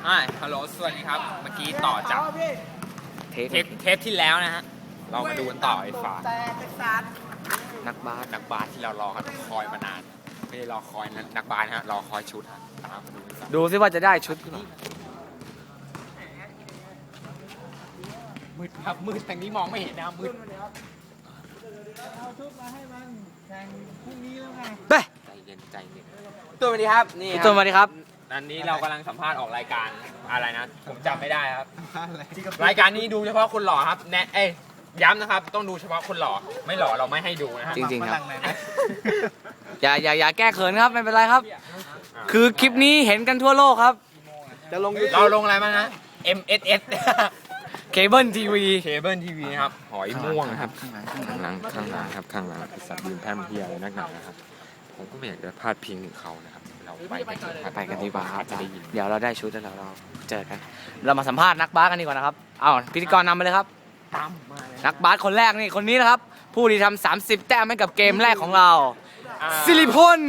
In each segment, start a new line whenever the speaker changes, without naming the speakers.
ฮัลโหลสวัสดีครับเมื่อกี้ต่อจากเทปที่แล้วนะฮะเรามาดูกันต่อไอ้ฝานักบาสที่เรารอกันคอยมานานไม่ได้รอคอยนักบาสนะฮะรอคอยชุดฮะตามมาดูกัน
ดูซิว่าจะได้ชุดหรือเปล่า
มืดครับมืดแต่นี้มองไม่เห็นนะมืด
เอาชุดมาให้มันแข่งพรุ่งนี้แล้วไง
เบ้
ใจเย็นตัววันนี้ครับนี่
ตัวมาดีครับ
อันนี้เรากำลังสัมภาษณ์ออกรายการอะไรนะผมจำไม่ได้ครับรายการนี้ดูเฉพาะคนหล่อครับย้ำนะครับต้องดูเฉพาะคนหล่อไม่หล่อเราไม่ให้ดูนะฮะ
จริงๆครับอย่าแก้เขินครับไม่เป็นไรครับ คือคลิปนี้เห็นกันทั่วโลกครับ
เราลงอะไรบ้างนะ MSS
เคเบิลทีวี
เคเบิลทีวีครับหอยม่วงครับข้างหลังครับข้างหลังสัตว์ยืนแพร่มเพียอะไรนักหนานะครับผมก็ไม่อยากจะพาดพิงถึงเขานะครับเราไปกันดีกว่าครับ
ไปกันดีกว่าครับเดี๋ยวเราได้ชุดแล้วเราเจอกัน เรามาสัมภาษณ์นักบาสกันดีกว่านะครับเอาพิธีกรนำไปเลยครับ
ตามมาเลย
นักบาสคนแรกนี่คนนี้นะครับ ผู้ที่ทำ30 แต้มให้กับเกมแรกของเราสิริพล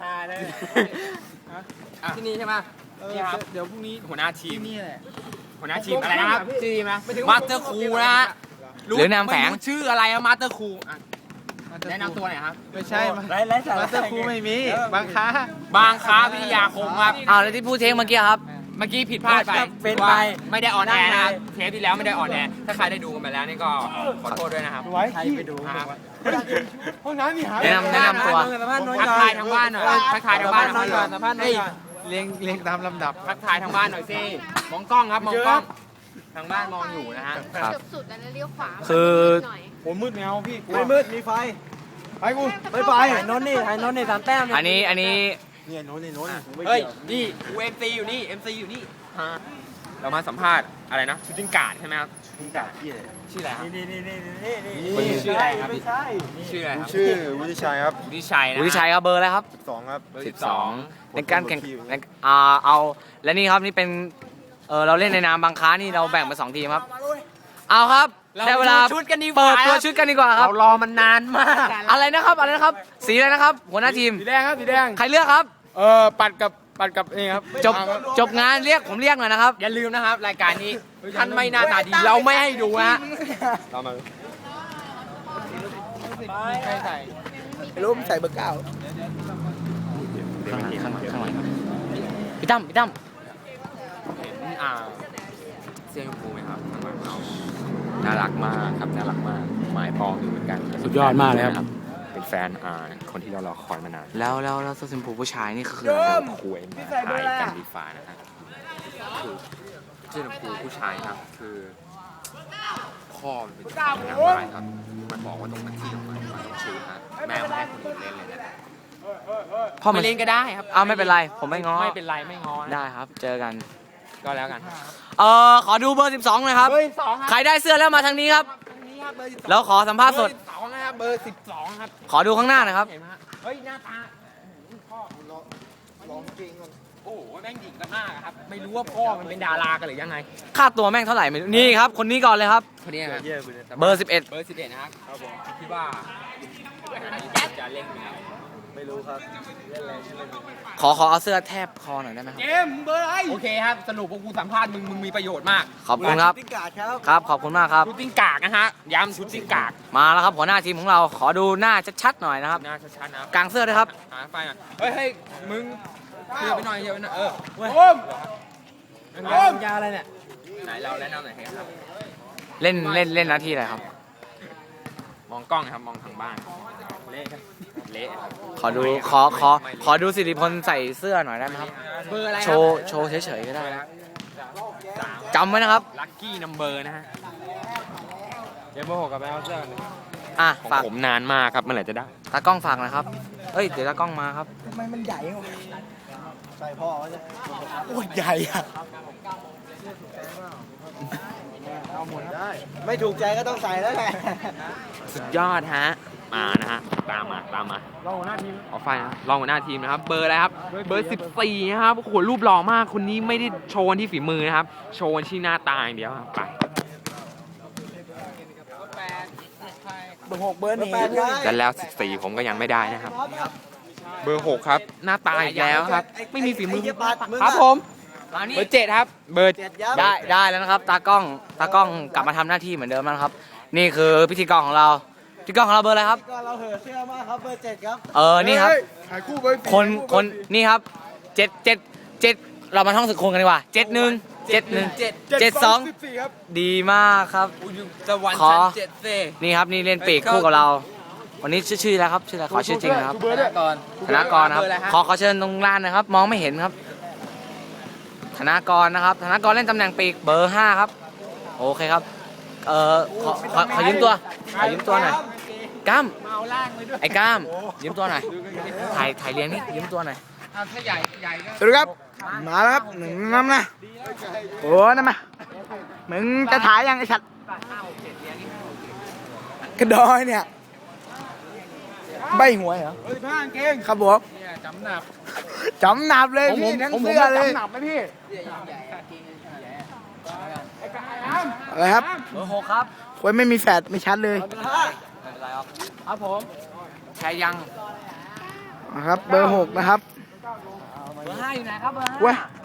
ที่นี่ใช่ไหมนี่ครับ
เดี๋ยวพรุ่งนี้
หัวหน้าทีม
นี่แหละ
หัวหน้าทีมอะไรนะครับทีมนะมาสเตอร์คูนะฮะ
หรือนามแฝง
ไม่รู้ชื่ออะไรอะมาสเตอร์คูแนะนำตัวหน่อยครับ
ไม่ใช่มาสเตอร์ครูไม่มีบางค้า
บางค้าวิทยาคมครับ
อ้าวแล้วที่พูดเทงเมื่อกี้ครับ
เมื่อกี้ผิดพลาดไป
เป็นไป
ไม่ได้ออนแอร์นะครับเทปที่แล้วไม่ได้ออนแอร์ถ้าใครได้ดูกันไปแล้วนี่ก็ขอโทษด้วยนะครับ
ไว้ที่ไปดู
นะครับ
ห้องน้ำนี่หา
แนะนำตัว
ทักทายทางบ้านหน่อยทักทายทางบ้านหน่อย
สัมภาษณ์หน่อยเรียงตามลำดับ
ทักทายทางบ้านหน่อยสิมองกล้องครับมองกล้องทางบ้านมองอยู่นะฮะ
ครับ
จบสุดแล้วนะเลี้ยวขวา
คือ
หน่อย
โอ้มืดแนวพี่ไม่มืดมีไฟไปกูไม่ไปถ่ายนนนี่สามแต้ม
อันนี้
เนี่ยนน
เฮ้ยนี่กูเอ็มซีอยู่นี่เอ็มซีอยู่นี่เรามาสัมภาษณ์อะไรนะชูตติ้งการ์ดใช่ไหมครับ
มึงกะยี่เลย
ชื่ออะไรครับ
นี่
ชื่ออะไรครับ
ไม่ใช่
ชื่ออะไรครับ
ชื่อวุฒิชัยครับ
วุฒิชัยนะ
วุฒิชัยครับเบอร์อะไรครับ
2 ครับ
เบอร์
12 ในการแข่งเอาและนี่ครับนี่เป็นเราเล่นในนามบางค้านี่เราแบ่งเป็น2ทีมครับ เอาครับได้เวลา
ชุดกันดีกว่า
เปิดตัวชุดกันดีกว่าครับ
เรารอมันนานมาก
อะไรนะครับสีอะไรนะครับ หัวหน้าทีม
สีแดงครับสีแดง
ใครเลือกครับ
ปัดกับนี่ครับ
จบงานผมเรียกหน่อยนะครับ
อย่าลืมนะครับรายการนี้ท่านไม่หน้าตาดีเราไม่ให้ดูฮะเรามา
ใครใส่
รู้ใส่เบอร์ 9
ข้างหลังครับพี่ตั้ม
เห็นเสื้อชมพูไหมครับข้างหลังเราน่ารักมากครับน่ารักมากหมายปองอยู่เหมือนกัน
สุดยอดมากเลยครับ
เป็นแฟนคนที่เรารอคอยมานาน
แล้วเสื้อชมพูผู้ชายนี่คือ
คุยมาถ่ายกันดีฟ้านะครับคือเสื้อชมพูผู้ชายครับคือพ่อมันเป็นนักบาสครับมันบอกว่าตรงนั้นที่มันต้องชูฮะแม่ไม่ให้คนอื่นเล่นเลยนะ
พ่อ
ไม่เล่นก็ได้ครับ
ไม่เป็นไรผมไม่ง้อ
ไม่เป็นไรไม่ง้อนะ
ได้ครับ เจอกัน
ก็แล้วกัน
ขอดูเบอร์12หน่อยครับ
เบอร์12ครับ
ใครได้เสื้อแล้วมาทางนี้ครับ
นี่ครับเบอร์12
แล้วขอสัมภาษณ์สด
เบอร์12นะครับเบอร์12ครับ
ขอดูข้างหน้าหน่อยครับ
เห็นไหมฮะเฮ้ยหน้าตาพ่อร้องจริงโอ้โหแม่งหญิงกันมากอะครับไม่รู้ว่าพ่อมันเป็นดารากันหรือยังไง
ค่าตัวแม่งเท่าไหร่ไม่รู้นี่ครับ คนนี้ก่อนเลยครับ
คนนี้ครับ
เบอร์ 11
เบอร์11นะครับครับผมคิดว่าจะเล่นไหมครับ
ไม่รู้ครับ
ขอเอาเสื้อแทบคอหน่อยได้ไหมครับ
เกมเบอร์อะไร
โอเคครับสรุปว่ากูสัมภาษณ์มึงมีประโยชน์มาก
ขอบคุณครับ
พิกาดครับ
ครับขอบคุณมากครับ
ชุดติ้งกากนะฮะย้ำชุดติ้งกาก
มาแล้วครับหัวหน้าทีมของเราขอดูหน้าชัดๆหน่อยนะครับ
หน้าชัดๆนะ
กลางเสื้อด้วยครับ
หาไฟหน่อยเฮ้ยมึงเยอะไปหน่อย
โอ้ม
ยาอะไรเนี่ยไหนเราแนะนำหน่อยครับ
เล่นหน้าที่อะไรครับ
มองกล้องนะครับมองทางบ้านเละครับเละ
ขอดูขอดูสิริพลใส่เสื้อหน่อยได้ไหมครับ
เบอร์อะไร
โชว์เฉยๆก็ได้นะจำไว้นะครับ
ลัคกี้นัมเบอร์นะฮะ
เดี๋ยวเบอร์6กับไปเอาเสื้อกัน
อ่ะ
ของ
ฝาก
ผมนานมากครับเมื่อไหร่จะได้
ตากล้องฝากหนะครับเอ้ยเดี๋ยวตากล้องมาครับ
ทำไมมันใหญ่วะใส่พ่อจะ
โอ้ยใหญ่อะ
เอาหมดได้ ไม่ถูกใจก็ต้องใส่แล้วแหละ
สุดยอดฮะมานะฮะตามมา
เราหัวหน้าทีม
เอาไฟนะรองหัวหน้าทีมนะครับเบอร์อะไรครับเบอร์14นะครับโอ้โหรูปหล่อมากคนนี้ไม่ได้โชว์ที่ฝีมือนะครับโชว์ที่หน้าตาอย่างเดียวครับไป
เบอร์6เบอร์1
แต่แล้ว14ผมก็ยังไม่ได้นะครับเบอร์6ครับหน้าตาอีกแล้วครับไม่มีฝีมือครับผม
มานี่
เบอร์ 7 ครับ เบอร์
ได้แล้วนะครับ ตากล้องกลับมาทำหน้าที่เหมือนเดิมแล้วนะครับ นี่คือพิธีกรของเราพิธีกรของเราเบอร์อะไรครับ
ก็เราเหอะเชื่อมากครับเบอร์ 7 ครับ
นี่ครับ
ถ่ายคู่เบอร์
คนนี่ครับ7เรามาท่องสกุลกันดีกว่า71
ครับ
ดีมากครับ
สวรรค์
ขอ
ชั้น7เซ
นี่ครับนี่เล่นปีกคู่กับเรา วันนี้ชื่อแล้วครับชื่ออะไรขอชื่อจริงนะครับ
เบอร์ด้วย
ก่อน
ธนากรนะครับขอเชิญตรงลานนะครับ มองไม่เห็นครับ ธนากรนะครับธนากรเล่นตำแหน่งปีกเบอร์ 5 ครับ โอเคครับขอยืมตัวหน่อยกล้ามไอ้กล้ามยืมตัวหน่อยถ่ายเลี้ยงนี่ยืมตัวหน่อย
ถ้าใหญ่ก็
สวัสดีครับ มาแล้วครับหนึ่งน้ำนะโอ้นั่นมามึงจะถ่ายยังไอ้ชัดกระดอยเนี่ยใบหวยเหรอ15เก่งครับผมจำหนับเลยพี่ทั้งเสื้อเลยจำหนับไหมพี่อะไรครับ
เบอร์ 6 ครับ
ควยไม่มีแฟดไม่ชัดเลย
ไม่เป็นไรครับครับผมแชร์ยัง
นะครับเบอร์ 6 นะครับ
เบอร์ 5 อยู่ไหนครับเบอร์
เว้ย
5